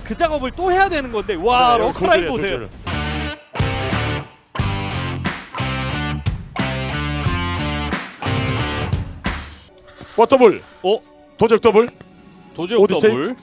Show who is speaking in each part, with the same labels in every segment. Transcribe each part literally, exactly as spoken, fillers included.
Speaker 1: 그 작업을 또 해야 되는 건데 와
Speaker 2: 네,
Speaker 1: 러커라인
Speaker 2: 고질이에요,
Speaker 1: 보세요.
Speaker 2: 고질. 와 더블.
Speaker 1: 어?
Speaker 2: 도적 더블.
Speaker 1: 도저히
Speaker 2: 오디세이?
Speaker 1: 더블.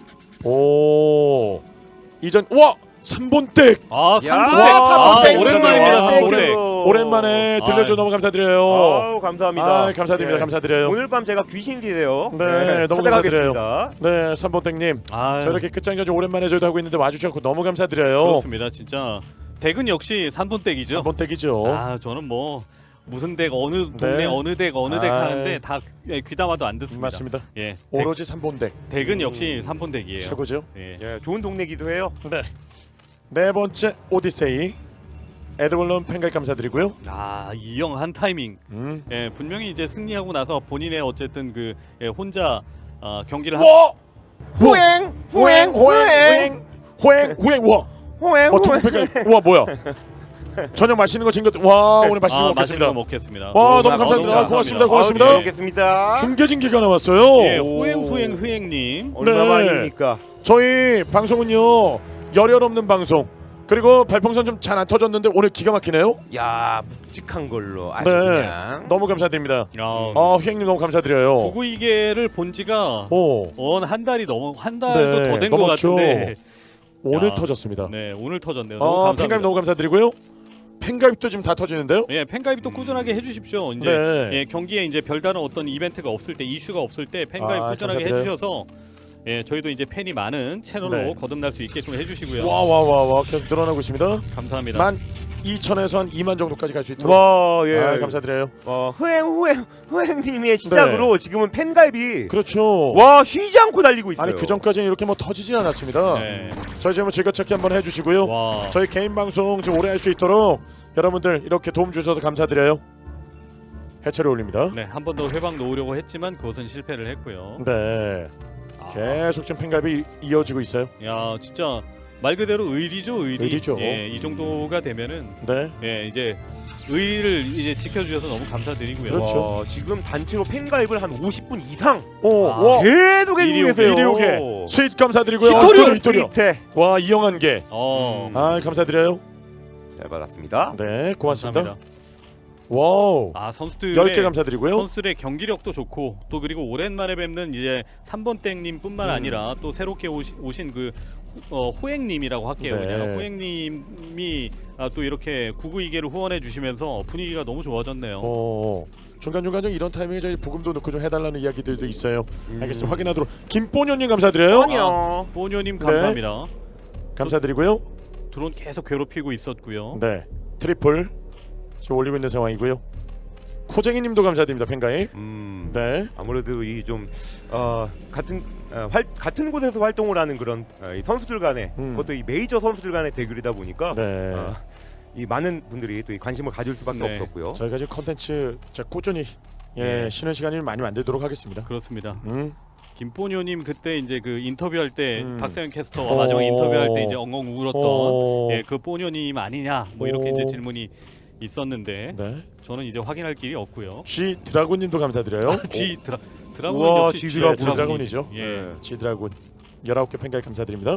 Speaker 2: 오. 이전 와 삼본댁.
Speaker 1: 아
Speaker 3: 야,
Speaker 1: 삼
Speaker 2: 와,
Speaker 1: 아,
Speaker 2: 삼본댁.
Speaker 1: 오랜만입니다.
Speaker 2: 와,
Speaker 1: 삼본댁.
Speaker 2: 오랜만에 들려줘
Speaker 1: 아유.
Speaker 2: 너무 감사드려요.
Speaker 3: 아우 감사합니다.
Speaker 2: 아, 감사드립니다.
Speaker 3: 네.
Speaker 2: 감사드려요.
Speaker 3: 오늘 밤 제가 귀신이 돼요.
Speaker 2: 네, 너무
Speaker 3: 찾아가겠습니다.
Speaker 2: 네, 삼본댁님.
Speaker 1: 아,
Speaker 2: 저 이렇게 끝장전지 오랜만에 저희도 하고 있는데 와주셔서 너무 감사드려요.
Speaker 1: 그렇습니다. 진짜 댁은 역시 삼본댁이죠.
Speaker 2: 삼본댁이죠.
Speaker 1: 아 저는 뭐 무슨 댁 어느 동네
Speaker 2: 네.
Speaker 1: 어느 댁 어느 댁
Speaker 2: 아이.
Speaker 1: 하는데 다 귀- 귀담아도 안 듣습니다.
Speaker 2: 맞습니다.
Speaker 1: 예, 댁,
Speaker 2: 오로지 삼본댁
Speaker 1: 댁은 역시 삼본댁이에요.
Speaker 2: 최고죠.
Speaker 1: 예.
Speaker 3: 예, 좋은 동네기도 해요.
Speaker 2: 네. 네 번째 오디세이 에드월런 팬가입 감사드리고요.
Speaker 1: 아 이영 한 타이밍.
Speaker 2: 음.
Speaker 1: 예, 분명히 이제 승리하고 나서 본인의 어쨌든 그 예, 혼자 어, 경기를 하.
Speaker 2: 와!
Speaker 3: 호행,
Speaker 2: 호행 호행 호행 호행 호행 와!
Speaker 3: 호행,
Speaker 2: 와 두분 팬가입 와 뭐야? 저녁 맛있는 거 챙겨 와 오늘 맛있는
Speaker 1: 아,
Speaker 2: 거
Speaker 1: 맛있는 거
Speaker 2: 먹겠습니다.
Speaker 1: 먹겠습니다.
Speaker 2: 와
Speaker 3: 너무
Speaker 2: 너무 감사드립니다.
Speaker 1: 아,
Speaker 2: 아, 고맙습니다.
Speaker 1: 감사합니다.
Speaker 2: 고맙습니다.
Speaker 3: 잘 먹겠습니다.
Speaker 2: 중계진기가 나왔어요.
Speaker 1: 예, 호행 호행 호행님.
Speaker 3: 얼마만입니까?
Speaker 2: 저희 방송은요 열혈 없는 방송 그리고 발풍선 좀 잘 안 터졌는데 오늘 기가 막히네요.
Speaker 3: 야 묵직한 걸로 아주
Speaker 2: 네.
Speaker 3: 그냥.
Speaker 2: 너무 감사드립니다.
Speaker 1: 야,
Speaker 2: 아 휘행님 너무 감사드려요.
Speaker 1: 구구이계를 본 지가
Speaker 2: 오
Speaker 1: 원 한 달이 넘어 한 달도
Speaker 2: 네,
Speaker 1: 더 된 것
Speaker 2: 넘었죠.
Speaker 1: 같은데.
Speaker 2: 오늘
Speaker 1: 야.
Speaker 2: 터졌습니다.
Speaker 1: 네, 오늘 터졌네요. 너무
Speaker 2: 아
Speaker 1: 감사합니다.
Speaker 2: 팬가입 너무 감사드리고요. 팬가입도 지금 다 터지는데요.
Speaker 1: 예, 팬가입도 꾸준하게 해주십시오. 이제
Speaker 2: 네.
Speaker 1: 예, 경기에 이제 별다른 어떤 이벤트가 없을 때, 이슈가 없을 때 팬가입
Speaker 2: 아,
Speaker 1: 꾸준하게
Speaker 2: 감사드려요.
Speaker 1: 해주셔서 예, 저희도 이제 팬이 많은 채널로
Speaker 2: 네.
Speaker 1: 거듭날 수 있게끔 해주시고요.
Speaker 2: 와 와 와 와 계속 늘어나고 있습니다.
Speaker 1: 감사합니다.
Speaker 2: 만 이천에서 한 이만 정도까지 갈 수 있도록.
Speaker 3: 와 예.
Speaker 2: 아, 감사드려요.
Speaker 3: 어, 호행 호행 호행님의 시작으로 지금은 팬가입이
Speaker 2: 그렇죠.
Speaker 3: 와 쉬지 않고 달리고 있어요.
Speaker 2: 아니 그 전까지는 이렇게 뭐 터지진 않았습니다.
Speaker 1: 네.
Speaker 2: 저희 지금 즐겨찾기 한번 해주시고요.
Speaker 1: 와.
Speaker 2: 저희 개인 방송 좀 오래 할 수 있도록 여러분들 이렇게 도움 주셔서 감사드려요. 해체를 올립니다.
Speaker 1: 네, 한 번 더 회방 놓으려고 했지만 그것은 실패를 했고요.
Speaker 2: 네.
Speaker 1: 아,
Speaker 2: 계속 지금 팬가입이 이어지고 있어요.
Speaker 1: 야, 진짜 말 그대로 의리죠, 의리.
Speaker 2: 의리죠.
Speaker 1: 예, 이 정도가 되면은
Speaker 2: 네.
Speaker 1: 예, 이제 의리를 이제 지켜주셔서 너무 감사드리고요.
Speaker 2: 그렇죠.
Speaker 3: 와, 지금 단체로 팬가입을 한 오십 분 이상
Speaker 2: 오,
Speaker 1: 아,
Speaker 2: 와.
Speaker 3: 계속 해주고
Speaker 1: 이리
Speaker 3: 계세요.
Speaker 2: 이리 오게. 스윗 감사드리고요.
Speaker 1: 히토리오,
Speaker 2: 아, 히토리오.
Speaker 3: 스위트.
Speaker 2: 와, 이영한 개.
Speaker 1: 어,
Speaker 3: 음.
Speaker 2: 아, 감사드려요.
Speaker 3: 잘 받았습니다.
Speaker 2: 네, 고맙습니다.
Speaker 1: 감사합니다.
Speaker 2: 와우.
Speaker 1: 아, 선수들의
Speaker 2: 열 개 감사드리고요.
Speaker 1: 선수들의 경기력도 좋고 또 그리고 오랜만에 뵙는 이제 삼 번 땡님뿐만
Speaker 2: 음.
Speaker 1: 아니라 또 새롭게 오시, 오신 그 호, 어, 호행님이라고 할게요.
Speaker 2: 네.
Speaker 1: 그냥 호행님이 아, 또 이렇게 구구이계를 후원해 주시면서 분위기가 너무 좋아졌네요.
Speaker 2: 어. 중간중간 좀 이런 타이밍에 저희 부금도 넣고 좀 해달라는 이야기들도 있어요.
Speaker 3: 음.
Speaker 2: 알겠습니다. 확인하도록. 김뽀년님 감사드려요.
Speaker 3: 아니요.
Speaker 1: 뽀뇨님
Speaker 2: 네.
Speaker 1: 감사합니다.
Speaker 2: 감사드리고요.
Speaker 1: 드론 계속 괴롭히고 있었고요.
Speaker 2: 네. 트리플 지금 올리고 있는 상황이고요. 코쟁이님도 감사드립니다. 팬가입.
Speaker 3: 음.
Speaker 2: 네.
Speaker 3: 아무래도 이 좀 어, 같은 어, 활, 같은 곳에서 활동을 하는 그런 어, 이 선수들 간의
Speaker 2: 음.
Speaker 3: 그것도 이 메이저 선수들 간의 대결이다 보니까
Speaker 2: 네.
Speaker 3: 어, 이 많은 분들이 또 이 관심을 가질 수밖에
Speaker 1: 네.
Speaker 3: 없었고요.
Speaker 2: 저희가 지금 컨텐츠 자, 꾸준히 예,
Speaker 1: 네.
Speaker 2: 쉬는 시간을 많이 만들도록 하겠습니다.
Speaker 1: 그렇습니다.
Speaker 2: 음.
Speaker 1: 김뽀뇨님 그때 이제 그 인터뷰할 때
Speaker 2: 음.
Speaker 1: 박세현 캐스터와
Speaker 2: 어.
Speaker 1: 마지막 인터뷰할 때 이제 엉엉 울었던
Speaker 2: 어.
Speaker 1: 예, 그 뽀뇨님 아니냐 뭐 이렇게
Speaker 2: 어.
Speaker 1: 이제 질문이 있었는데
Speaker 2: 네.
Speaker 1: 저는 이제 확인할 길이 없고요.
Speaker 2: G 드라군님도 감사드려요.
Speaker 1: G 드라 드라군
Speaker 3: 우와,
Speaker 1: 역시
Speaker 3: G
Speaker 1: G
Speaker 3: 드라군.
Speaker 1: 드라군이-
Speaker 2: 드라군이죠.
Speaker 1: 예.
Speaker 3: 네.
Speaker 2: G 드라군 열아홉 개 팬가입 감사드립니다.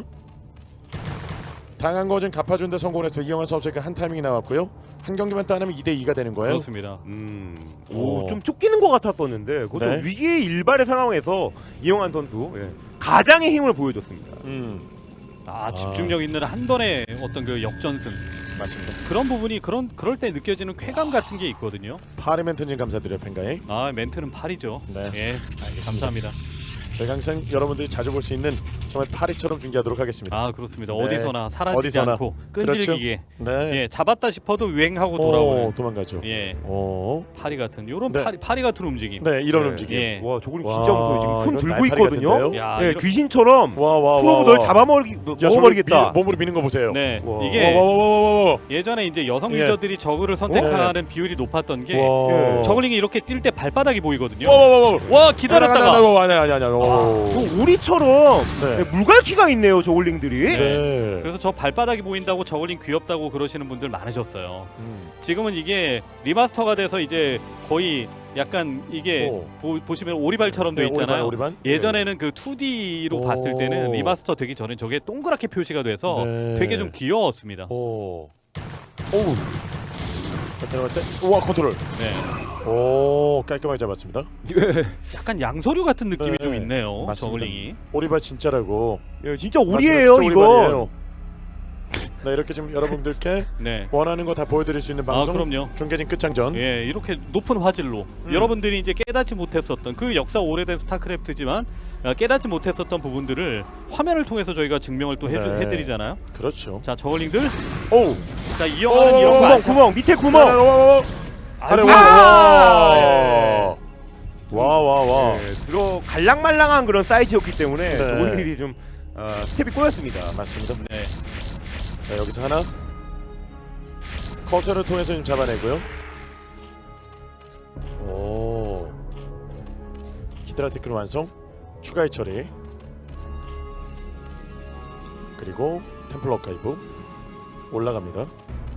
Speaker 2: 당한 거좀 갚아준데 성공했습니다. 이영환 선수에게 한 타이밍이 나왔고요. 한 경기만 따내면 이 대 이가 되는 거예요.
Speaker 1: 그렇습니다.
Speaker 3: 음,
Speaker 2: 어.
Speaker 3: 오, 좀 쫓기는 것 같았었는데 그것도
Speaker 2: 네.
Speaker 3: 위기의 일발의 상황에서 이영환 선수 예, 가장의 힘을 보여줬습니다.
Speaker 2: 음,
Speaker 1: 아 집중력 있는 한 번의 어떤 그 역전승
Speaker 2: 맞습니다.
Speaker 1: 그런 부분이 그런 그럴 때 느껴지는 쾌감 같은 게 있거든요.
Speaker 2: 파리멘트님 감사드려요. 팬가입.
Speaker 1: 아 멘트는 팔이죠.
Speaker 2: 네.
Speaker 1: 예,
Speaker 2: 알겠습니다.
Speaker 1: 감사합니다.
Speaker 2: 저희가 항상 여러분들이 자주 볼 수 있는 정말 파리처럼 중계하도록 하겠습니다.
Speaker 1: 아 그렇습니다.
Speaker 2: 네.
Speaker 1: 어디서나 사라지지
Speaker 2: 어디서나.
Speaker 1: 않고 끈질기게
Speaker 2: 네.
Speaker 1: 예 잡았다 싶어도 유행하고
Speaker 2: 오,
Speaker 1: 돌아오는
Speaker 2: 도망가죠.
Speaker 1: 예
Speaker 2: 오.
Speaker 1: 파리 같은 요런
Speaker 2: 네.
Speaker 1: 파리 파리 같은 움직임.
Speaker 2: 네, 이런
Speaker 3: 네.
Speaker 2: 움직임.
Speaker 1: 예.
Speaker 3: 와, 저거는
Speaker 2: 와,
Speaker 3: 진짜 무서워요. 지금 손
Speaker 2: 이건
Speaker 3: 들고
Speaker 2: 날파리
Speaker 3: 있거든요.
Speaker 2: 같은데요?
Speaker 1: 야,
Speaker 3: 예,
Speaker 1: 이런-
Speaker 3: 귀신처럼
Speaker 2: 와, 와,
Speaker 3: 프로브
Speaker 2: 와,
Speaker 3: 널
Speaker 2: 와.
Speaker 3: 잡아먹기
Speaker 2: 야, 저걸
Speaker 3: 먹어버리겠다.
Speaker 2: 밀- 몸으로 미는 거 보세요.
Speaker 1: 네,
Speaker 3: 와.
Speaker 1: 이게
Speaker 2: 와, 와, 와, 와, 와.
Speaker 1: 예전에 이제 여성
Speaker 2: 예.
Speaker 1: 유저들이 저그를 선택하는 비율이 높았던 게
Speaker 2: 와.
Speaker 3: 예.
Speaker 1: 저글링이 이렇게 뛸 때 발바닥이 보이거든요.
Speaker 2: 와, 와, 와, 와.
Speaker 1: 와 기다렸다가
Speaker 2: 아니, 아니, 아니, 아니, 아니. 오.
Speaker 3: 그 우리처럼
Speaker 2: 네.
Speaker 3: 예, 물갈퀴가 있네요, 저울링들이.
Speaker 1: 네.
Speaker 2: 네.
Speaker 1: 그래서 저 발바닥이 보인다고 저글링 귀엽다고 그러시는 분들 많으셨어요.
Speaker 2: 음.
Speaker 1: 지금은 이게 리마스터가 돼서 이제 거의 약간 이게
Speaker 2: 오.
Speaker 1: 보, 보시면 오리발처럼 돼
Speaker 2: 네,
Speaker 1: 있잖아요.
Speaker 2: 오리반, 오리반.
Speaker 1: 예전에는 그 투디로
Speaker 2: 오.
Speaker 1: 봤을 때는 리마스터 되기 전에 저게 동그랗게 표시가 돼서
Speaker 2: 네.
Speaker 1: 되게 좀 귀여웠습니다.
Speaker 2: 오. 오우. 자, 들어갈 때 우와 컨트롤.
Speaker 1: 네.
Speaker 2: 오 깔끔하게 잡았습니다.
Speaker 1: 약간 양서류 같은 느낌이
Speaker 2: 네.
Speaker 1: 좀 있네요.
Speaker 2: 맞습니다.
Speaker 1: 저글링이.
Speaker 2: 오리발 진짜라고.
Speaker 3: 예, 진짜
Speaker 2: 맞습니다.
Speaker 3: 오리예요,
Speaker 2: 진짜
Speaker 3: 이거.
Speaker 2: 오리발이에요. 네 이렇게 좀 여러분들께
Speaker 1: 네.
Speaker 2: 원하는 거 다 보여드릴 수 있는
Speaker 1: 아
Speaker 2: 방송.
Speaker 1: 그럼요.
Speaker 2: 중계진 끝장전.
Speaker 1: 예, 이렇게 높은 화질로
Speaker 2: 음.
Speaker 1: 여러분들이 이제 깨닫지 못했었던 그 역사 오래된 스타크래프트지만 어, 깨닫지 못했었던 부분들을 화면을 통해서 저희가 증명을 또 해주,
Speaker 2: 네.
Speaker 1: 해드리잖아요.
Speaker 2: 그렇죠.
Speaker 1: 자, 저글링들,
Speaker 2: 오.
Speaker 1: 자 이영하는 이런 거
Speaker 3: 구멍,
Speaker 1: 안 참.
Speaker 3: 구멍, 밑에 구멍.
Speaker 2: 아래
Speaker 1: 아이고.
Speaker 2: 와. 와 와 와.
Speaker 3: 예, 들어 갈랑말랑한 그런 사이즈였기 때문에
Speaker 2: 네.
Speaker 3: 저울링들이 좀 어, 스텝이 꼬였습니다.
Speaker 2: 맞습니다.
Speaker 1: 네.
Speaker 2: 자 여기서 하나 커서를 통해서 좀 잡아내고요. 오. 히드라 테크는 완성. 추가의 처리. 그리고 템플러 가이브 올라갑니다.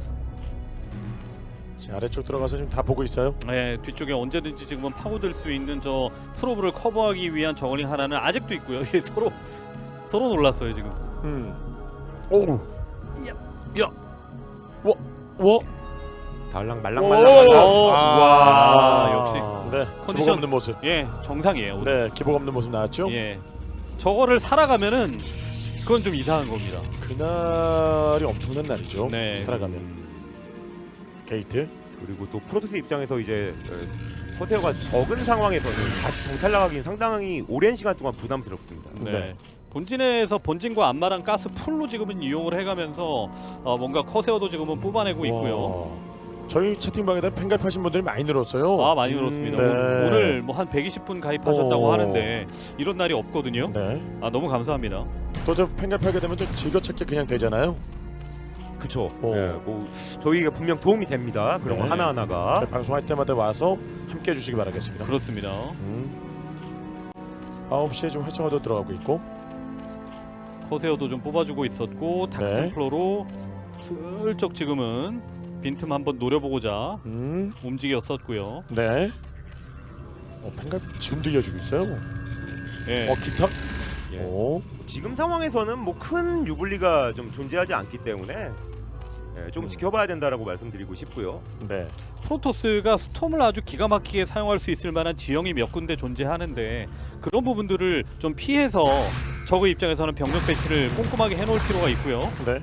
Speaker 2: 자 아래쪽 들어가서 지금 다 보고 있어요.
Speaker 1: 네, 뒤쪽에 언제든지 지금은 파고들 수 있는 저 프로브를 커버하기 위한 저글링 하나는 아직도 있고요. 이게 서로 서로 놀랐어요 지금.
Speaker 2: 음. 오. 야. 야. 와. 와.
Speaker 3: 달랑말랑말랑한.
Speaker 1: 오.
Speaker 2: 아.
Speaker 1: 와, 역시.
Speaker 2: 네. 기복
Speaker 1: 컨디션-
Speaker 2: 없는 모습.
Speaker 1: 예, 정상이에요. 오늘.
Speaker 2: 네. 기복 없는 모습 나왔죠.
Speaker 1: 예, 저거를 살아가면은 그건 좀 이상한 겁니다.
Speaker 2: 그날이 엄청난 날이죠.
Speaker 1: 네.
Speaker 2: 살아가면. 게이트.
Speaker 3: 그리고 또 프로토스 입장에서 이제 어, 커세어가 적은 상황에서는 다시 정찰 나가기는 상당히 오랜 시간 동안 부담스럽습니다.
Speaker 1: 네.
Speaker 2: 네.
Speaker 1: 본진에서 본진과 안마랑 가스 풀로 지금은 이용을 해가면서 어, 뭔가 커세어도 지금은 뽑아내고 있고요.
Speaker 2: 와. 저희 채팅방에다 팬가입하신 분들이 많이 늘었어요.
Speaker 1: 아 많이 늘었습니다.
Speaker 2: 네.
Speaker 1: 오- 오늘 뭐 한 백이십 분 가입하셨다고
Speaker 2: 오.
Speaker 1: 하는데 이런 날이 없거든요.
Speaker 2: 네.
Speaker 1: 아 너무 감사합니다.
Speaker 2: 또저 팬가입하게 되면 좀 즐거찾기 그냥 되잖아요.
Speaker 3: 그렇죠.
Speaker 2: 오.
Speaker 3: 예, 뭐 저희가 분명 도움이 됩니다. 그런
Speaker 2: 네.
Speaker 3: 거 하나 하나가.
Speaker 2: 저희 방송할 때마다 와서 함께 해주시기 바라겠습니다.
Speaker 1: 그렇습니다.
Speaker 2: 음. 아홉 시에 좀 활성화도 들어가고 있고.
Speaker 1: 커세어도 좀 뽑아주고 있었고
Speaker 2: 네.
Speaker 1: 다크템플러로 슬쩍 지금은 빈틈 한번 노려보고자
Speaker 2: 음.
Speaker 1: 움직였었고요.
Speaker 2: 네. 어, 팬가입 지금도 이어지고 있어요.
Speaker 1: 예.
Speaker 2: 어 기타.
Speaker 3: 예.
Speaker 2: 오.
Speaker 3: 지금 상황에서는 뭐 큰 유불리가 좀 존재하지 않기 때문에 예, 좀
Speaker 2: 음.
Speaker 3: 지켜봐야 된다라고 말씀드리고 싶고요.
Speaker 2: 네.
Speaker 1: 프로토스가 스톰을 아주 기가 막히게 사용할 수 있을 만한 지형이 몇 군데 존재하는데 그런 부분들을 좀 피해서 적의 입장에서는 병력 배치를 꼼꼼하게 해놓을 필요가 있고요.
Speaker 2: 네.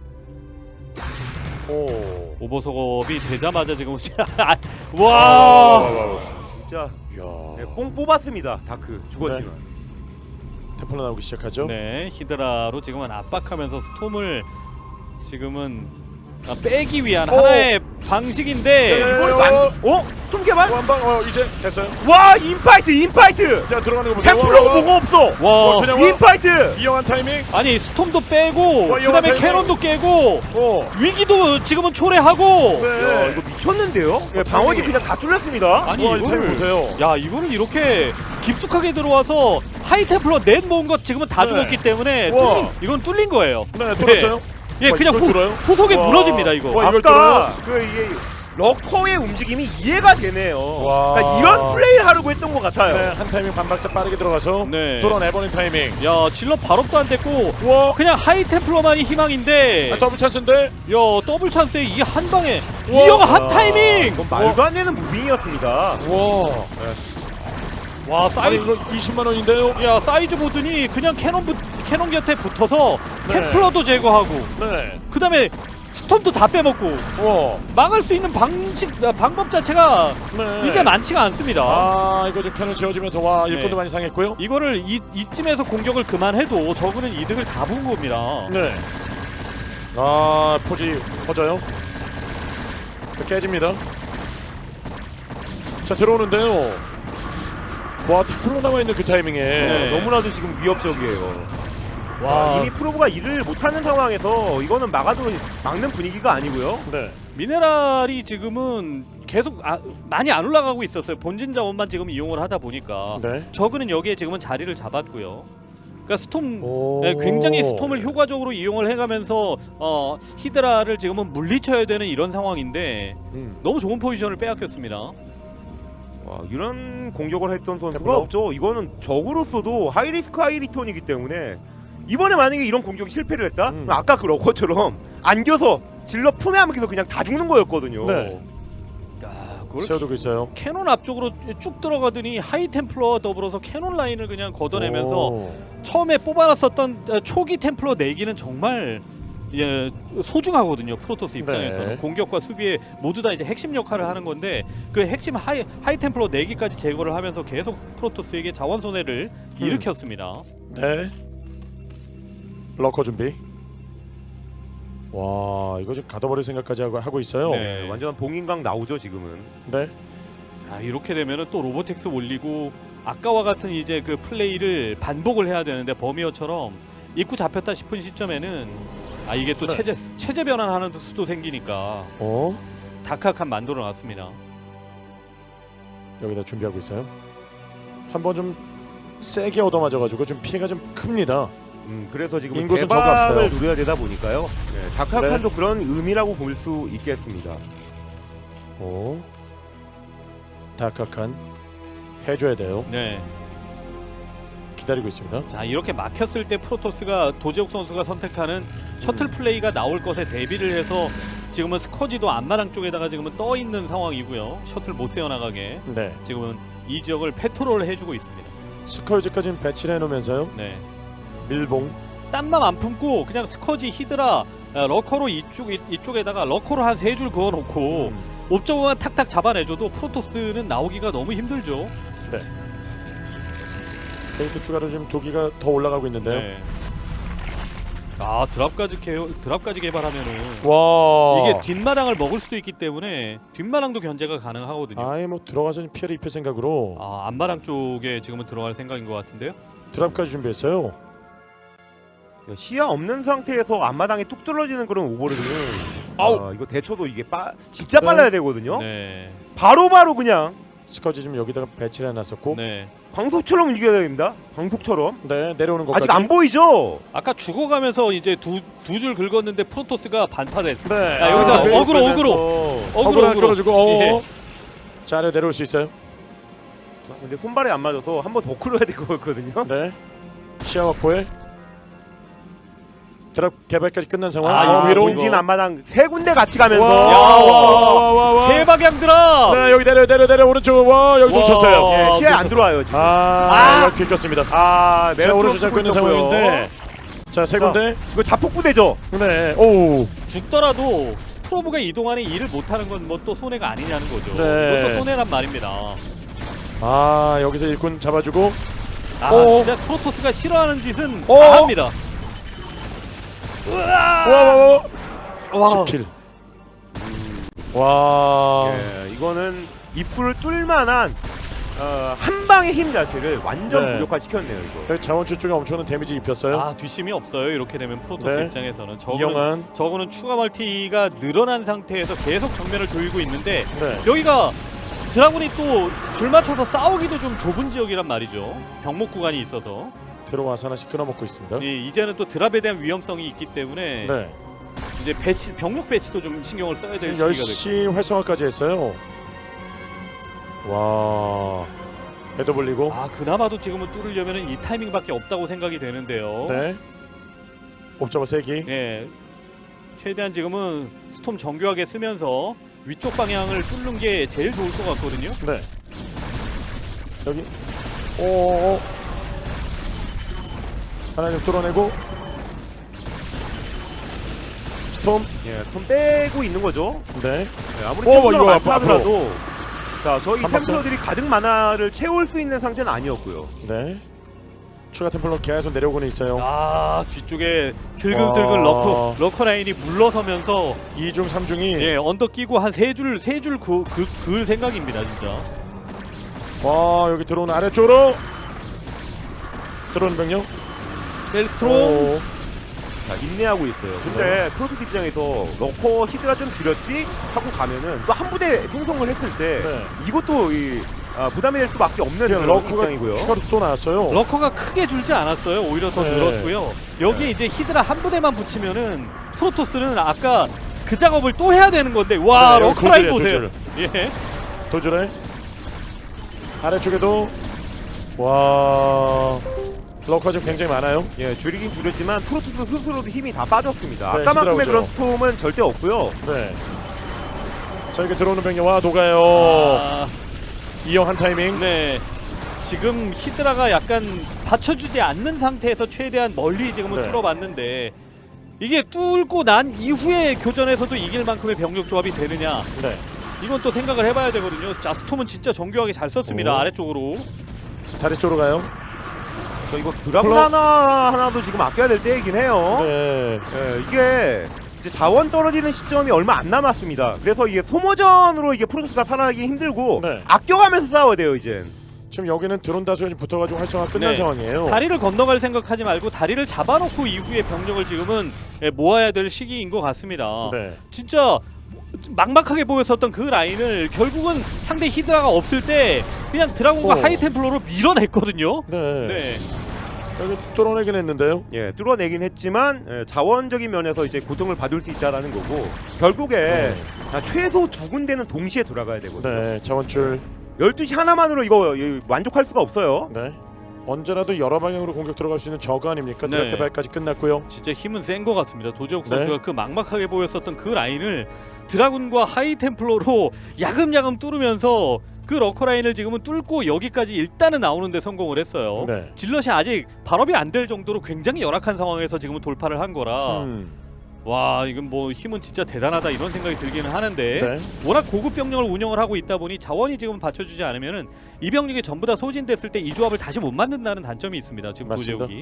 Speaker 2: 오.
Speaker 1: 오버석업이 되자마자 지금 와
Speaker 3: 진짜
Speaker 2: 이야.
Speaker 3: 예, 뽕 뽑았습니다. 다크 주거지만.
Speaker 2: 템플러 나오기 시작하죠.
Speaker 1: 네, 히드라로 지금은 압박하면서 스톰을 지금은 아, 빼기 위한
Speaker 2: 오!
Speaker 1: 하나의 방식인데
Speaker 2: 네.
Speaker 3: 이걸 만 어? 좀 개발?
Speaker 2: 한방 어 이제 됐어요.
Speaker 3: 와 인파이트 인파이트.
Speaker 2: 자 들어가는 거 보세요.
Speaker 3: 템플러가
Speaker 2: 와, 와, 와.
Speaker 3: 뭐가 없어.
Speaker 1: 와
Speaker 2: 어, 그냥 와.
Speaker 3: 인파이트.
Speaker 2: 이영한 타이밍.
Speaker 1: 아니 스톰도 빼고
Speaker 2: 와,
Speaker 1: 그다음에
Speaker 2: 이거
Speaker 1: 캐논도 깨고
Speaker 2: 오.
Speaker 1: 위기도 지금은 초래하고
Speaker 2: 네.
Speaker 3: 야, 이거 미쳤는데요? 예,
Speaker 2: 어,
Speaker 3: 방어지
Speaker 2: 타이밍이-
Speaker 3: 그냥 다 뚫렸습니다.
Speaker 1: 아니
Speaker 2: 와, 이 타이밍
Speaker 1: 이거를
Speaker 2: 보세요.
Speaker 1: 야 이거를 이렇게 깊숙하게 들어와서 하이템플러 넷 모은 것 지금은 다
Speaker 2: 네.
Speaker 1: 죽었기 때문에
Speaker 2: 와.
Speaker 1: 뚫린, 이건 뚫린 거예요.
Speaker 2: 네 뚫었어요.
Speaker 1: 예
Speaker 2: 와,
Speaker 1: 그냥
Speaker 2: 이걸
Speaker 1: 후,
Speaker 2: 뚫어요?
Speaker 1: 후속에
Speaker 2: 와.
Speaker 1: 무너집니다 이거.
Speaker 2: 와, 이걸
Speaker 3: 아까 그 이게 러커의 움직임이 이해가 되네요.
Speaker 2: 와.
Speaker 3: 그러니까 이런 플레이를 하려고 했던 것 같아요.
Speaker 2: 네, 한 타이밍 반박자 빠르게 들어가서
Speaker 1: 네.
Speaker 2: 뚫어내버린 타이밍.
Speaker 1: 야 질러 발업도 안 됐고
Speaker 2: 와.
Speaker 1: 그냥 하이템플러만이 희망인데
Speaker 2: 아, 더블 찬스인데.
Speaker 1: 야 더블 찬스에 이게 한 방에
Speaker 2: 우와.
Speaker 1: 이영아 한 타이밍.
Speaker 3: 이건 말도 안 되는 무빙이었습니다.
Speaker 2: 와.
Speaker 1: 와
Speaker 2: 아니
Speaker 1: 사이즈
Speaker 2: 이거 이십만 원인데요.
Speaker 1: 야 사이즈 보더니 그냥 캐논 부, 캐논 곁에 붙어서
Speaker 2: 네.
Speaker 1: 템플러도 제거하고
Speaker 2: 네.
Speaker 1: 그다음에 스톰도 다 빼먹고
Speaker 2: 와.
Speaker 1: 막을 수 있는 방식 아, 방법 자체가
Speaker 2: 네.
Speaker 1: 이제 많지가 않습니다.
Speaker 2: 아 이거 좀 캐논 지어지면서 와 일꾼도
Speaker 1: 네.
Speaker 2: 많이 상했고요.
Speaker 1: 이거를 이, 이쯤에서 공격을 그만해도 저그는 이득을 다 본 겁니다.
Speaker 2: 네. 아 포지 커져요. 깨집니다. 자 들어오는데요. 와 템플러 나와 있는 그 타이밍에.
Speaker 1: 네.
Speaker 3: 너무나도 지금 위협적이에요.
Speaker 1: 와
Speaker 3: 이미 프로브가 일을 못하는 상황에서 이거는 막아도 막는 분위기가 아니고요.
Speaker 2: 네.
Speaker 1: 미네랄이 지금은 계속 아, 많이 안 올라가고 있었어요. 본진 자원만 지금 이용을 하다 보니까
Speaker 2: 네.
Speaker 1: 저그는 여기에 지금은 자리를 잡았고요. 그러니까 스톰
Speaker 2: 오.
Speaker 1: 네, 굉장히 스톰을 효과적으로 이용을 해가면서 어, 히드라를 지금은 물리쳐야 되는 이런 상황인데
Speaker 2: 음.
Speaker 1: 너무 좋은 포지션을 빼앗겼습니다.
Speaker 3: 와, 이런 공격을 했던 선수가
Speaker 2: 템플러?
Speaker 3: 없죠. 이거는 적으로서도 하이리스크 하이리턴이기 때문에 이번에 만약에 이런 공격이 실패를 했다?
Speaker 2: 음.
Speaker 3: 그럼 아까 그 러커처럼 안겨서 질러 품에 안겨서 그냥 다 죽는 거였거든요.
Speaker 2: 네.
Speaker 1: 야, 그걸
Speaker 2: 세워두고 있어요.
Speaker 1: 캐논 앞쪽으로 쭉 들어가더니 하이 템플러와 더불어서 캐논 라인을 그냥 걷어내면서
Speaker 2: 오.
Speaker 1: 처음에 뽑아놨었던 어, 초기 템플러 내기는 정말 예, 소중하거든요. 프로토스 입장에서는
Speaker 2: 네.
Speaker 1: 공격과 수비에 모두 다 이제 핵심 역할을 하는 건데 그 핵심 하이 하이 템플러 내기까지 제거를 하면서 계속 프로토스에게 자원 손해를
Speaker 2: 음.
Speaker 1: 일으켰습니다.
Speaker 2: 네. 러커 준비. 와, 이거 지금 가둬버릴 생각까지 하고, 하고 있어요.
Speaker 1: 네.
Speaker 3: 네, 완전 봉인강 나오죠 지금은.
Speaker 2: 네.
Speaker 1: 자, 이렇게 되면은 또 로보텍스 올리고 아까와 같은 이제 그 플레이를 반복을 해야 되는데 버미어처럼 입구 잡혔다 싶은 시점에는 아 이게 또
Speaker 2: 네.
Speaker 1: 체제 체제 변환하는 수도 생기니까
Speaker 2: 어?
Speaker 1: 다크한 만들어 놨습니다.
Speaker 2: 여기다 준비하고 있어요. 한번 좀 세게 얻어맞아가지고 좀 피해가 좀 큽니다.
Speaker 3: 음, 그래서 지금
Speaker 2: 인구수 저거 없어요.
Speaker 3: 대박을 누려야 되다 보니까요. 네, 다크한도 그런 의미라고 볼 수 있겠습니다.
Speaker 2: 오. 다카칸 해줘야 돼요.
Speaker 1: 네.
Speaker 2: 기다리고 있습니다.
Speaker 1: 자 이렇게 막혔을 때 프로토스가 도재욱 선수가 선택하는 셔틀
Speaker 2: 음.
Speaker 1: 플레이가 나올 것에 대비를 해서 지금은 스커지도 앞마당 쪽에다가 지금은 떠 있는 상황이고요. 셔틀 못 세워 나가게
Speaker 2: 네.
Speaker 1: 지금은 이 지역을 패트롤을 해주고 있습니다.
Speaker 2: 스컬지까지는 배치를 해놓으면서요.
Speaker 1: 네.
Speaker 2: 밀봉.
Speaker 1: 땀만 안 품고 그냥 스커지 히드라 아, 러커로 이쪽 이, 이쪽에다가 러커로 한 세 줄 그어놓고
Speaker 2: 음.
Speaker 1: 옵저버만 탁탁 잡아내줘도 프로토스는 나오기가 너무 힘들죠.
Speaker 2: 네. 페이크 추가로 지금 도기가 더 올라가고 있는데요.
Speaker 1: 네. 아 드랍까지 개 드랍까지 개발하면은
Speaker 2: 와.
Speaker 1: 이게 뒷마당을 먹을 수도 있기 때문에 뒷마당도 견제가 가능하거든요.
Speaker 2: 아예 뭐 들어가서 좀 피해를 입힐 생각으로
Speaker 1: 아 앞마당 쪽에 지금은 들어갈 생각인 것 같은데요.
Speaker 2: 드랍까지 준비했어요.
Speaker 3: 시야 없는 상태에서 앞마당에 뚝 뚫어지는 그런 오버로드는
Speaker 1: 아우.
Speaker 3: 아, 이거 대처도 이게 빠 진짜
Speaker 2: 네.
Speaker 3: 빨라야 되거든요.
Speaker 1: 네.
Speaker 3: 바로바로 바로 그냥
Speaker 2: 스커지 지금 여기다가 배치를 해놨었고. 네.
Speaker 1: 네.
Speaker 3: 광속처럼 움직여야 됩니다. 광속처럼.
Speaker 2: 내려오는 것까지.
Speaker 3: 아직 안 보이죠?
Speaker 1: 아까 죽어가면서 이제 두 두 줄 긁었는데 프로토스가 반파됐.
Speaker 2: 네.
Speaker 1: 아, 여기서
Speaker 2: 아,
Speaker 1: 어그로, 어그로.
Speaker 2: 어그로
Speaker 1: 어그로
Speaker 2: 하나 끌어주고. 어.
Speaker 1: 예.
Speaker 2: 자, 아래 내려올 수 있어요.
Speaker 3: 근데 손발이 안 맞아서 한 번 더 끌어야 될 거였거든요.
Speaker 2: 네. 시야 확보에 드랍 개발까지 끝난 상황.
Speaker 1: 아,
Speaker 2: 어,
Speaker 1: 이거
Speaker 2: 위로.
Speaker 3: 본진 앞마당 세 군데 같이 가면서
Speaker 2: 와,
Speaker 1: 야,
Speaker 2: 와, 와, 와.
Speaker 1: 세 방향 드랍.
Speaker 2: 네, 여기 내려 내려 내려 오른쪽. 와, 여기
Speaker 1: 와.
Speaker 2: 놓쳤어요.
Speaker 3: 예, 시야에 안 들어와요 지금.
Speaker 2: 아,
Speaker 1: 아.
Speaker 2: 이거 들켰습니다.
Speaker 3: 아,
Speaker 2: 자, 오른쪽 잡고 있는 상황인데. 자, 세 군데.
Speaker 3: 이거 자폭부대죠.
Speaker 2: 네. 오.
Speaker 1: 죽더라도 프로브가 이동안에 일을 못하는 건 뭐 또 손해가 아니냐는 거죠.
Speaker 2: 네.
Speaker 1: 이것도 손해란 말입니다.
Speaker 2: 아, 여기서 일꾼 잡아주고.
Speaker 1: 아
Speaker 2: 오.
Speaker 1: 진짜 프로토스가 싫어하는 짓은
Speaker 2: 오.
Speaker 1: 다 합니다.
Speaker 2: 와, 와, 와.
Speaker 1: 와.
Speaker 2: 십 킬. 와.
Speaker 3: 예, 이거는 입구를 뚫만한 어, 한 방의 힘 자체를 완전
Speaker 2: 네.
Speaker 3: 무력화시켰네요 이거.
Speaker 2: 여기 자원줄 쪽에 엄청난 데미지 입혔어요.
Speaker 1: 아 뒷심이 없어요. 이렇게 되면 프로토스
Speaker 2: 네.
Speaker 1: 입장에서는 저거는
Speaker 2: 이영환.
Speaker 1: 저거는 추가 멀티가 늘어난 상태에서 계속 정면을 조이고 있는데
Speaker 2: 네.
Speaker 1: 여기가 드라군이 또 줄 맞춰서 싸우기도 좀 좁은 지역이란 말이죠. 병목 구간이 있어서
Speaker 2: 들어와서 하나씩 끊어먹고 있습니다.
Speaker 1: 예, 이제는 또 드랍에 대한 위험성이 있기 때문에
Speaker 2: 네.
Speaker 1: 이제 배치 병력 배치도 좀 신경을 써야 될
Speaker 2: 지금
Speaker 1: 시기가
Speaker 2: 열 시 활성화까지 했어요. 와. 배도 불리고.
Speaker 1: 아 그나마도 지금은 뚫으려면 이 타이밍밖에 없다고 생각이 되는데요.
Speaker 2: 네. 옵저버 세기.
Speaker 1: 예, 최대한 지금은 스톰 정교하게 쓰면서 위쪽 방향을 뚫는 게 제일 좋을 것 같거든요.
Speaker 2: 네. 여기. 오. 하나 좀 뚫어내고. 스톰.
Speaker 3: 예, 손 빼고 있는 거죠.
Speaker 2: 네.
Speaker 3: 예, 아무리
Speaker 2: 오,
Speaker 3: 템플러가
Speaker 2: 이거
Speaker 3: 많다
Speaker 2: 앞으로.
Speaker 3: 하더라도 자 저희
Speaker 2: 한 박자.
Speaker 3: 템플러들이 가득 만화를 채울 수 있는 상태는 아니었고요.
Speaker 2: 네. 추가 템플러 계속 내려오고는 있어요.
Speaker 1: 아 뒤쪽에 슬금슬금
Speaker 2: 와.
Speaker 1: 러커 러커 라인이 물러서면서
Speaker 2: 이 중 삼 중이.
Speaker 1: 예 언덕 끼고 한 세 줄 세 줄 그 그 그을 생각입니다 진짜.
Speaker 2: 와, 여기 들어오는 아래쪽으로. 들어오는 병력.
Speaker 1: 셀스트롬.
Speaker 2: 오.
Speaker 3: 자 인내하고 있어요. 근데 프로토스 입장에서 러커 히드라 좀 줄였지 하고 가면은 또 한 부대 생성을 했을 때
Speaker 2: 네.
Speaker 3: 이것도 이 아, 부담이 될 수밖에 없는 그런
Speaker 2: 러커가
Speaker 3: 입장이고요.
Speaker 2: 추가로 또 나왔어요.
Speaker 1: 러커가 크게 줄지 않았어요. 오히려 더
Speaker 2: 네.
Speaker 1: 늘었고요. 여기에 이제 히드라 한 부대만 붙이면은 프로토스는 아까 그 작업을 또 해야 되는 건데 와
Speaker 2: 네,
Speaker 1: 러커 라인
Speaker 2: 도주래,
Speaker 1: 보세요. 예.
Speaker 2: 도주래 아래쪽에도 와 러커가 지금 굉장히 많아요.
Speaker 3: 예, 줄이긴 줄였지만 프로토스 스스로도 힘이 다 빠졌습니다.
Speaker 2: 네,
Speaker 3: 아까만큼의
Speaker 2: 히드라우죠.
Speaker 3: 그런 스톰은 절대 없고요.
Speaker 2: 네. 자 이게 들어오는 병력 와 녹아요.
Speaker 1: 아,
Speaker 2: 이영 한 타이밍.
Speaker 1: 네. 지금 히드라가 약간 받쳐주지 않는 상태에서 최대한 멀리 지금은
Speaker 2: 네.
Speaker 1: 뚫어봤는데 이게 뚫고 난 이후에 교전에서도 이길 만큼의 병력 조합이 되느냐
Speaker 2: 네.
Speaker 1: 이건 또 생각을 해봐야 되거든요. 자 스톰은 진짜 정교하게 잘 썼습니다.
Speaker 2: 오.
Speaker 1: 아래쪽으로.
Speaker 2: 다리 쪽으로 가요.
Speaker 3: 저 이거 드라군
Speaker 2: 플러-
Speaker 3: 하나 하나도 지금 아껴야 될 때이긴 해요.
Speaker 2: 네.
Speaker 3: 예, 이게 이제 자원 떨어지는 시점이 얼마 안 남았습니다. 그래서 이게 소모전으로 이게 프로토스가 살아나기 힘들고
Speaker 2: 네.
Speaker 3: 아껴가면서 싸워야 돼요 이제.
Speaker 2: 지금 여기는 드론 다수가 지금 붙어가지고 활성화 끝난
Speaker 1: 네.
Speaker 2: 상황이에요.
Speaker 1: 다리를 건너갈 생각하지 말고 다리를 잡아놓고 이후에 병력을 지금은 예, 모아야 될 시기인 것 같습니다.
Speaker 2: 네.
Speaker 1: 진짜 막막하게 보였었던 그 라인을 결국은 상대 히드라가 없을 때 그냥 드라곤과
Speaker 2: 오.
Speaker 1: 하이템플러로 밀어냈거든요.
Speaker 2: 네.
Speaker 1: 네.
Speaker 2: 여기 뚫어내긴 했는데요.
Speaker 3: 예, 뚫어내긴 했지만 예, 자원적인 면에서 이제 고통을 받을 수 있다라는 거고 결국에
Speaker 2: 네.
Speaker 3: 아, 최소 두 군데는 동시에 돌아가야 되거든요.
Speaker 2: 네. 자원줄.
Speaker 3: 열두 시 하나만으로 이거 예, 만족할 수가 없어요.
Speaker 2: 네. 언제라도 여러 방향으로 공격 들어갈 수 있는 저거 아닙니까?
Speaker 1: 네.
Speaker 2: 드랍 발까지 끝났고요.
Speaker 1: 진짜 힘은 센 것 같습니다. 도재욱
Speaker 2: 네.
Speaker 1: 선수가 그 막막하게 보였었던 그 라인을 드라군과 하이템플러로 야금야금 뚫으면서 그 러커 라인을 지금은 뚫고 여기까지 일단은 나오는데 성공을 했어요.
Speaker 2: 네.
Speaker 1: 질럿이 아직 발업이 안 될 정도로 굉장히 열악한 상황에서 지금은 돌파를 한 거라
Speaker 2: 음.
Speaker 1: 와 이건 뭐 힘은 진짜 대단하다 이런 생각이 들기는 하는데
Speaker 2: 네.
Speaker 1: 워낙 고급 병력을 운영을 하고 있다 보니 자원이 지금 받쳐주지 않으면은 이 병력이 전부 다 소진됐을 때 이 조합을 다시 못 만든다는 단점이 있습니다. 지금
Speaker 2: 맞습니다.
Speaker 1: 도재욱이.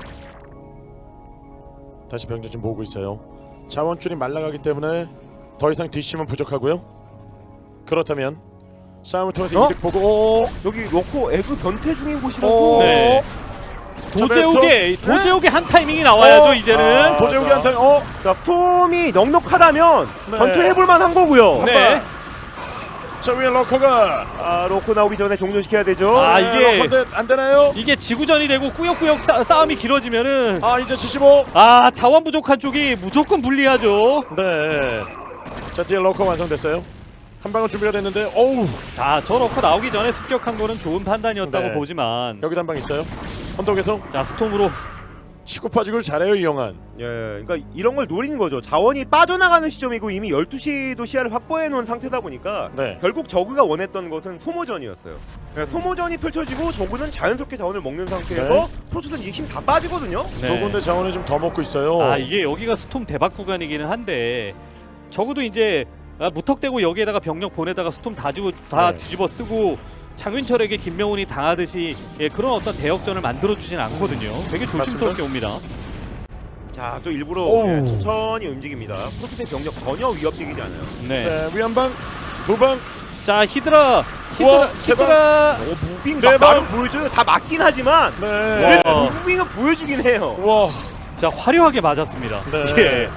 Speaker 2: 다시 병력 좀 모으고 있어요. 자원줄이 말라가기 때문에 더 이상 뒷심은 부족하고요. 그렇다면 싸움을 통해서
Speaker 3: 어?
Speaker 2: 이득 보고 오!
Speaker 3: 여기 로코 에그 변태 중인 곳이라서
Speaker 2: 오!
Speaker 1: 네.
Speaker 2: 자,
Speaker 1: 도재욱의
Speaker 2: 베스트?
Speaker 1: 도재욱의 한 타이밍이 나와야죠
Speaker 2: 어?
Speaker 1: 이제는.
Speaker 3: 아,
Speaker 2: 도재욱이
Speaker 3: 자.
Speaker 2: 한 타임. 어?
Speaker 3: 자, 스톰이 넉넉하다면
Speaker 2: 네.
Speaker 3: 변태해볼 만한 거고요.
Speaker 2: 한
Speaker 1: 네.
Speaker 2: 방. 자 위에 러커가.
Speaker 3: 아, 로코 나오기 전에 종료시켜야 되죠.
Speaker 1: 아,
Speaker 2: 네,
Speaker 1: 이게-
Speaker 2: 러커인데 안 되나요?
Speaker 1: 이게 지구전이 되고 꾸역꾸역 싸, 싸움이 길어지면은
Speaker 2: 아 이제 칠십오.
Speaker 1: 아 자원 부족한 쪽이 무조건 불리하죠.
Speaker 2: 네. 자 뒤에 러커 완성됐어요. 한 방은 준비가 됐는데 어우
Speaker 1: 자 저 넣고 나오기 전에 습격한 거는 좋은 판단이었다고
Speaker 2: 네.
Speaker 1: 보지만
Speaker 2: 여기도 한 방 있어요. 언덕에서
Speaker 1: 자 스톰으로
Speaker 2: 치고 빠지고 잘해요 이영환.
Speaker 3: 예, 그러니까 이런 걸 노리는 거죠. 자원이 빠져나가는 시점이고 이미 열두 시도 시야를 확보해 놓은 상태다 보니까
Speaker 2: 네.
Speaker 3: 결국 저그가 원했던 것은 소모전이었어요. 예, 소모전이 펼쳐지고 저그는 자연스럽게 자원을 먹는 상태에서
Speaker 2: 네.
Speaker 3: 프로토스는 이게 힘 다 빠지거든요.
Speaker 1: 네.
Speaker 2: 두 군데 자원을 좀 더 먹고 있어요.
Speaker 1: 아 이게 여기가 스톰 대박 구간이기는 한데 적어도 이제 아, 무턱대고 여기에다가 병력 보내다가 스톰 다, 뒤집어, 다
Speaker 2: 네.
Speaker 1: 뒤집어 쓰고 장윤철에게 김명훈이 당하듯이 예, 그런 어떤 대역전을 만들어주진 않거든요. 되게 조심스럽게 옵니다.
Speaker 3: 자, 또 일부러
Speaker 2: 오우.
Speaker 3: 예, 천천히 움직입니다. 프로토스의 병력 전혀 위협적이지 않아요.
Speaker 1: 네.
Speaker 2: 네, 위한 방, 두 방.
Speaker 1: 자 히드라 히드라
Speaker 2: 우와, 제발.
Speaker 1: 히드라
Speaker 3: 어, 무빙
Speaker 2: 네
Speaker 3: 막
Speaker 2: 방.
Speaker 3: 나름 보여줘요. 다 맞긴 하지만
Speaker 2: 네.
Speaker 1: 와.
Speaker 3: 그래도 무빙은 보여주긴 해요.
Speaker 2: 와.
Speaker 1: 자 화려하게 맞았습니다.
Speaker 2: 네.
Speaker 1: 예.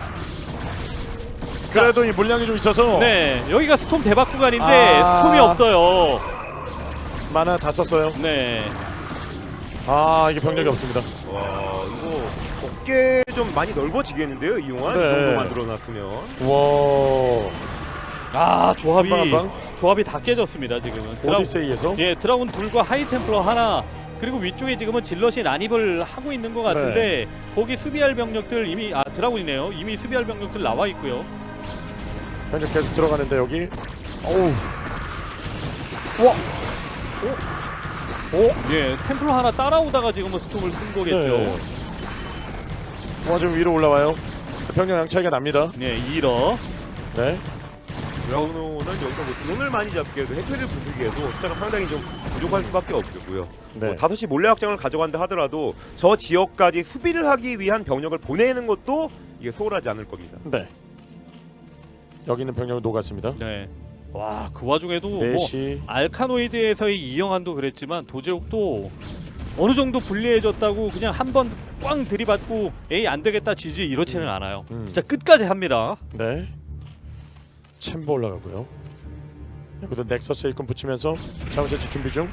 Speaker 2: 그래도 이 물량이 좀 있어서
Speaker 1: 네 여기가 스톰 대박 구간인데
Speaker 2: 아.
Speaker 1: 스톰이 없어요.
Speaker 2: 만화 다 썼어요.
Speaker 1: 네.
Speaker 2: 아 이게 병력이 없습니다.
Speaker 3: 와, 이거 어깨 좀 많이 넓어지겠는데요, 이용한
Speaker 2: 네.
Speaker 3: 이 정도 만들어놨으면.
Speaker 2: 와.
Speaker 1: 아 조합이
Speaker 2: 한 방, 한
Speaker 1: 조합이 다 깨졌습니다 지금은. 드라,
Speaker 2: 오디세이에서.
Speaker 1: 예 드라군 둘과 하이템플러 하나 그리고 위쪽에 지금은 질럿이 난입을 하고 있는 것 같은데
Speaker 2: 네.
Speaker 1: 거기 수비할 병력들 이미 아 드라군이네요. 이미 수비할 병력들 나와 있고요.
Speaker 2: 병력 계속 들어가는데 여기. 어우.
Speaker 1: 오, 예 템플러 하나 따라오다가 지금은 스톰을 쓴 거겠죠.
Speaker 2: 네. 와 지금 위로 올라와요. 병력 양 차이가 납니다.
Speaker 1: 네 이러.
Speaker 2: 네.
Speaker 3: 드라우노는 여기서 뭐 드론을 많이 잡기에도 해처리를 부수기에도 숫자가 상당히 좀 부족할 수밖에 없겠고요.
Speaker 2: 네.
Speaker 3: 뭐 다섯 시 몰래 확장을 가져간다 하더라도 저 지역까지 수비를 하기 위한 병력을 보내는 것도 이게 소홀하지 않을 겁니다.
Speaker 2: 네. 여기 있는 병력은 녹았습니다.
Speaker 1: 네. 와 그 와중에도 뭐
Speaker 2: 네 시.
Speaker 1: 알카노이드에서의 이영환도 그랬지만 도제욱도 어느 정도 불리해졌다고 그냥 한 번 꽝 들이받고 에이 안 되겠다 지지 이렇지는 않아요.
Speaker 2: 음.
Speaker 1: 진짜 끝까지 합니다.
Speaker 2: 네. 챔버 올라가고요. 여기도 넥서스 일꾼 붙이면서 자원 채취 준비 중.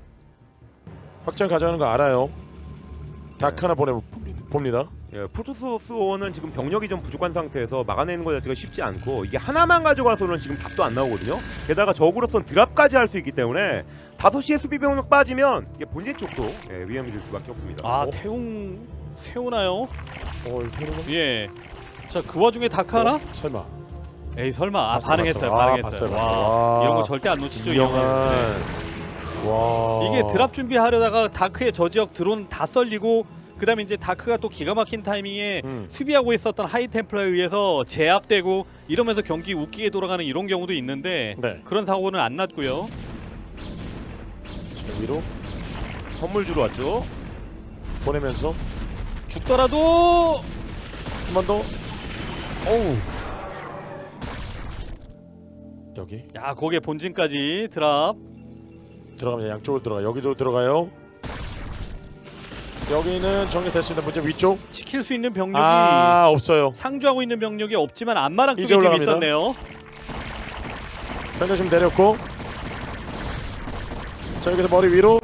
Speaker 2: 확장 가져가는 거 알아요. 닭 하나 보내 봅니다.
Speaker 3: 예, 프로토스는 지금 병력이 좀 부족한 상태에서 막아내는 것 자체가 쉽지 않고 이게 하나만 가져가서는 지금 답도 안 나오거든요. 게다가 적으로선 드랍까지 할 수 있기 때문에 다섯 시에 수비 병력 빠지면 이게 본진 쪽도 예, 위험이 될 수밖에 없습니다.
Speaker 1: 아
Speaker 2: 어?
Speaker 1: 태웅 태우나요?
Speaker 2: 어, 이거 해놓으면-
Speaker 1: 예. 자 그 와중에 다크 하나?
Speaker 2: 어, 설마.
Speaker 1: 에이 설마 아,
Speaker 2: 봤어요,
Speaker 1: 반응했어요.
Speaker 2: 봤어요. 아,
Speaker 1: 반응했어요.
Speaker 2: 봤어요,
Speaker 1: 와,
Speaker 2: 봤어요. 와.
Speaker 1: 이런 거 절대 안 놓치죠. 이
Speaker 2: 이영환.
Speaker 1: 형은. 네.
Speaker 2: 와.
Speaker 1: 이게 드랍 준비하려다가 다크의 저 지역 드론 다 썰리고 그다음에 이제 다크가 또 기가 막힌 타이밍에
Speaker 2: 음.
Speaker 1: 수비하고 있었던 하이템플러에 의해서 제압되고 이러면서 경기 웃기게 돌아가는 이런 경우도 있는데
Speaker 2: 네.
Speaker 1: 그런 사고는 안 났고요.
Speaker 2: 저 위로
Speaker 3: 선물 주러 왔죠.
Speaker 2: 보내면서
Speaker 1: 죽더라도
Speaker 2: 한 번 더. 어우. 여기
Speaker 1: 야 거기에 본진까지 드랍.
Speaker 2: 들어가면 양쪽으로 들어가. 여기도 들어가요. 여기는 정리됐습니다. 문제 위쪽.
Speaker 1: 지킬 수 있는 병력이
Speaker 2: 아 없어요.
Speaker 1: 상주하고 있는 병력이 없지만 안마랑
Speaker 2: 이제
Speaker 1: 쪽에 좀
Speaker 2: 올라갑니다.
Speaker 1: 있었네요.
Speaker 2: 현재 지금 내렸고. 자 여기서 머리 위로.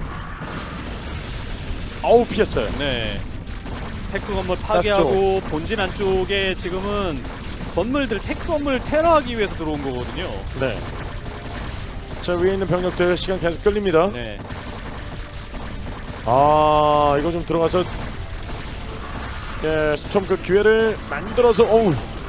Speaker 2: 어우 피했어요.
Speaker 1: 네. 테크 건물 파괴하고 본진 안쪽에 지금은 건물들 테크 건물 테러하기 위해서 들어온 거거든요.
Speaker 2: 네. 자 위에 있는 병력들 시간 계속 끌립니다.
Speaker 1: 네.
Speaker 2: 아 이거 좀 들어가서 예 스톰 그 기회를 만들어서 어우.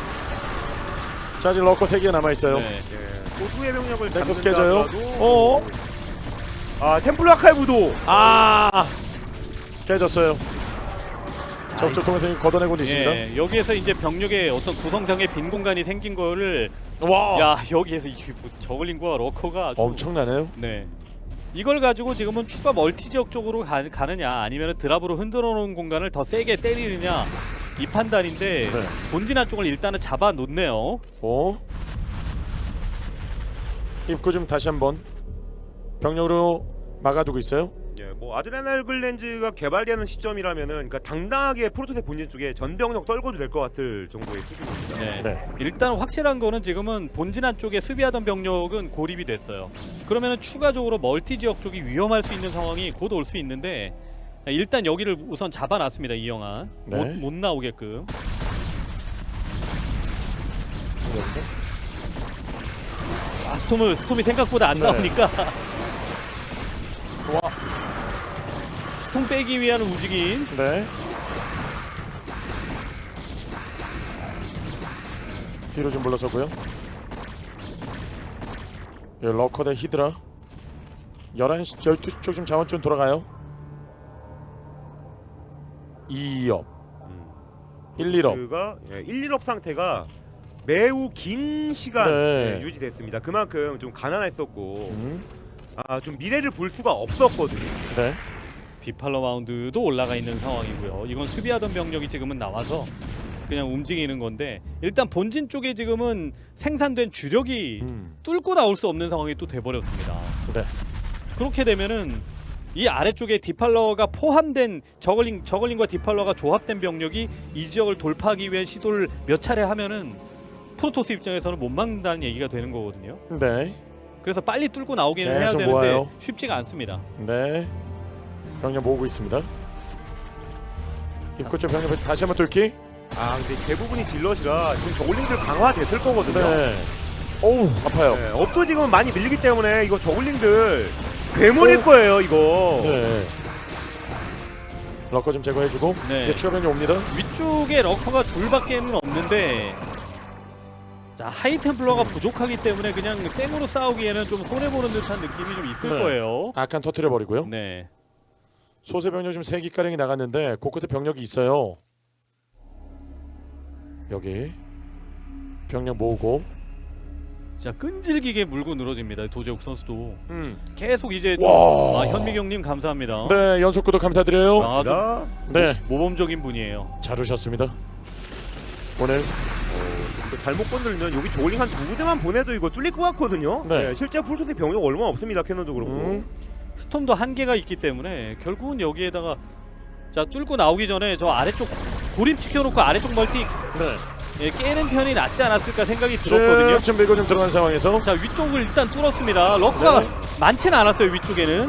Speaker 2: 자 지금 러커 세 개 남아 있어요.
Speaker 1: 네.
Speaker 3: 예, 소수의 병력을
Speaker 2: 넥서스
Speaker 3: 잡는다
Speaker 2: 깨져요.
Speaker 3: 하더라도
Speaker 2: 어.
Speaker 3: 아 템플러 아카이브도
Speaker 2: 아 깨졌어요. 적절 통해서 걷어내고 있습니다.
Speaker 1: 예, 여기에서 이제 병력의 어떤 구성상의 빈 공간이 생긴 거를
Speaker 2: 와
Speaker 1: 야 여기에서 이게 무슨 저글링과 러커가 아주
Speaker 2: 엄청나네요.
Speaker 1: 네. 이걸 가지고 지금은 추가 멀티 지역 쪽으로 가, 가느냐 아니면 드랍으로 흔들어 놓은 공간을 더 세게 때리느냐 이 판단인데
Speaker 2: 네.
Speaker 1: 본진 한쪽을 일단은 잡아 놓네요.
Speaker 2: 어? 입구 좀 다시 한번 병력으로 막아두고 있어요.
Speaker 3: 예, 뭐 아드레날 글렌즈가 개발되는 시점이라면은 그러니까 당당하게 프로토스 본진 쪽에 전병력 떨궈도 될 것 같을 정도의 수준입니다.
Speaker 1: 네.
Speaker 2: 네.
Speaker 1: 일단 확실한 거는 지금은 본진 한쪽에 수비하던 병력은 고립이 됐어요. 그러면은 추가적으로 멀티 지역 쪽이 위험할 수 있는 상황이 곧 올 수 있는데 일단 여기를 우선 잡아놨습니다. 이영환
Speaker 2: 네.
Speaker 1: 못, 못 나오게끔.
Speaker 2: 여기서
Speaker 1: 아, 스톰을 스톰이 생각보다 안
Speaker 2: 네.
Speaker 1: 나오니까
Speaker 2: 와.
Speaker 1: 스톰 빼기 위한 움직임.
Speaker 2: 네. 뒤로 좀 물러서고요. 예, 러커 대 히드라. 열한 시, 열두 시 쪽 지금 자원 좀 돌아가요. 이 업.
Speaker 3: 음.
Speaker 2: 일, 일 업.
Speaker 3: 그가 예, 일, 일 업 상태가 매우 긴 시간
Speaker 2: 네.
Speaker 3: 예, 유지됐습니다. 그만큼 좀 가난했었고
Speaker 2: 음.
Speaker 3: 아, 좀 미래를 볼 수가 없었거든요.
Speaker 2: 네.
Speaker 1: 디팔러 마운드도 올라가 있는 상황이고요. 이건 수비하던 병력이 지금은 나와서 그냥 움직이는 건데 일단 본진 쪽에 지금은 생산된 주력이
Speaker 2: 음.
Speaker 1: 뚫고 나올 수 없는 상황이 또 돼버렸습니다.
Speaker 2: 네.
Speaker 1: 그렇게 되면은 이 아래쪽에 디팔러가 포함된 저글링, 저글링과 디팔러가 조합된 병력이 이 지역을 돌파하기 위한 시도를 몇 차례 하면은 프로토스 입장에서는 못 막는다는 얘기가 되는 거거든요.
Speaker 2: 네.
Speaker 1: 그래서 빨리 뚫고 나오기는 해야
Speaker 2: 계속
Speaker 1: 되는데
Speaker 2: 모아요.
Speaker 1: 쉽지가 않습니다.
Speaker 2: 네. 병력 모으고 있습니다. 입구 쪽 병력 다시 한번 뚫기.
Speaker 3: 아, 근데 대부분이 질럿이라 지금 저글링들 강화됐을 거거든요.
Speaker 2: 네. 어우 아파요.
Speaker 3: 네, 업도 지금 많이 밀리기 때문에 이거 저글링들 괴물일
Speaker 2: 오.
Speaker 3: 거예요, 이거.
Speaker 2: 네. 러커 좀 제거해주고
Speaker 1: 네.
Speaker 2: 이제 추가 병력 옵니다.
Speaker 1: 위쪽에 러커가 둘밖에는 없는데 자 하이템플러가 부족하기 때문에 그냥 생으로 싸우기에는 좀 손해보는 듯한 느낌이 좀 있을
Speaker 2: 네.
Speaker 1: 거예요.
Speaker 2: 아칸 터트려 버리고요.
Speaker 1: 네.
Speaker 2: 소세 병력 지금 세 기가량이 나갔는데 곳곳에 병력이 있어요. 여기 병력 모으고.
Speaker 1: 자 끈질기게 물고 늘어집니다. 도재욱 선수도
Speaker 2: 음.
Speaker 1: 계속 이제 좀
Speaker 2: 와.
Speaker 1: 아, 현미경님 감사합니다.
Speaker 2: 네 연속 구독 감사드려요.
Speaker 1: 아, 좀
Speaker 3: 자,
Speaker 2: 네.
Speaker 1: 모범적인 분이에요.
Speaker 2: 잘 오셨습니다. 오늘
Speaker 3: 이거 잘못 건들면 여기 저글링 한 두 부대만 보내도 이거 뚫릴 것 같거든요.
Speaker 2: 네.
Speaker 3: 네, 실제 프로토스 병력 얼마 없습니다, 캐논도 그렇고.
Speaker 2: 음.
Speaker 1: 스톰도 한계가 있기 때문에 결국은 여기에다가 자 뚫고 나오기 전에 저 아래쪽 고립시켜놓고 아래쪽 멀티
Speaker 2: 네.
Speaker 1: 예, 깨는 편이 낫지 않았을까 생각이 들었거든요.
Speaker 2: 지금 밀고 좀 들어간 상황에서
Speaker 1: 자, 위쪽을 일단 뚫었습니다. 러커가
Speaker 2: 네.
Speaker 1: 많지는 않았어요. 위쪽에는.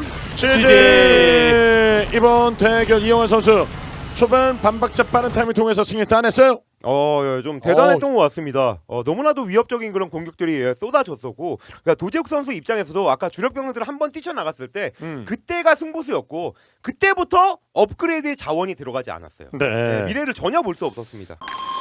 Speaker 2: 지지 이번 대결 이영환 선수 초반 반박자 빠른 타이밍 통해서 승리 따냈어요.
Speaker 3: 어, 예, 좀 대단했던 것 같습니다. 어, 너무나도 위협적인 그런 공격들이 예, 쏟아졌었고, 그러니까 도재욱 선수 입장에서도 아까 주력 병력들을 한번 뛰쳐나갔을 때
Speaker 2: 음.
Speaker 3: 그때가 승부수였고 그때부터 업그레이드의 자원이 들어가지 않았어요.
Speaker 2: 네.
Speaker 3: 예, 미래를 전혀 볼 수 없었습니다.